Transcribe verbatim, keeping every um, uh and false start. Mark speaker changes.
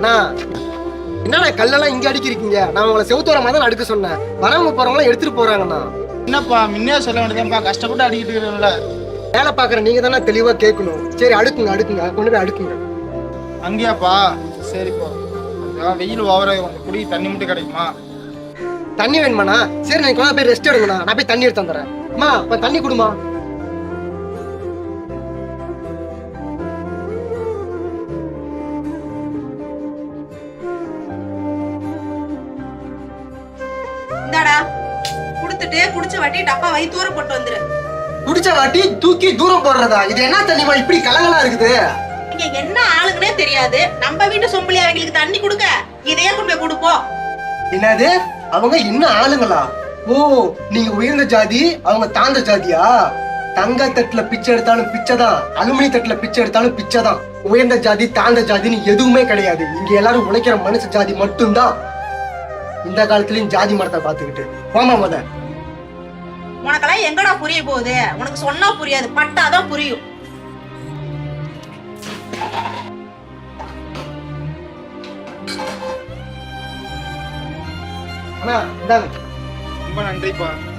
Speaker 1: அண்ணா என்னண்ணா கல்லெல்லாம் இங்க அடிக்கிறீங்க? நான் உங்களை செவுத்தோர மாதிரி தான் அடுக்க சொன்னேன். வரவங்க போறவங்களாம் எடுத்துட்டு போறாங்கண்ணா.
Speaker 2: என்னப்பா முன்னே சொல்ல வேண்டியதான்ப்பா, கஷ்டப்பட்டு அடிக்கிட்டு இருக்கிறோம்ல.
Speaker 1: வேலை பாக்குற நீங்க தானே தெளிவா கேட்கணும். சரி அடுக்குங்க அடுக்குங்க கொண்டு போய் அடுக்குங்க.
Speaker 2: அங்கேயாப்பா? சரிப்பா. வெயில் ஓவர குடி தண்ணி மட்டும் கிடைக்குமா?
Speaker 1: தண்ணி வேணுமாண்ணா? சரி நீங்க கொஞ்சம் போய் ரெஸ்ட் எடுங்கண்ணா, நான் போய் தண்ணி எடுத்து வந்துடுறேன். அம்மா இப்ப தண்ணி கொடுமா.
Speaker 3: இந்தாடா குடுத்துட்டு குடிச்ச வாட்டி டப்பா வை தூர போட்டு வந்துரு.
Speaker 1: குடிச்ச வாட்டி தூக்கி தூரம் போடுறதா? இது என்ன தண்ணிமா இப்படி கலங்கலா இருக்குது?
Speaker 3: இங்க என்ன ஆளுங்கனே தெரியாது. நம்ம வீட்டு சொம்பளி அவங்களுக்கு தண்ணி கொடுக்க இதையே கொண்டு போய் கொடுப்போம்.
Speaker 1: என்னது அவங்க இன்னும் ஆளுங்களா? ஓ நீங்க உயர்ந்த ஜாதி, அவங்க தாழ்ந்த ஜாதியா? தங்க தட்டுல பிச்சை எடுத்தாலும் பிச்சைதான், அலுமினி தட்டுல பிச்சை எடுத்தாலும் பிச்சைதான். உயர்ந்த ஜாதி தாழ்ந்த ஜாதின்னு எதுவுமே கிடையாது. இங்க எல்லாரும் உழைக்கிற மனுஷ ஜாதி மட்டும்தான். இந்த காலத்துலயும் ஜாதி மரத்தை பாத்துக்கிட்டு போமா மத.
Speaker 3: உனக்கெல்லாம் எங்கடா புரிய போகுது? உனக்கு சொன்னா புரியாது, பட்டாதான் புரியும்.
Speaker 1: அண்ணா இந்தாங்க.
Speaker 2: ரொம்ப நன்றிப்பா.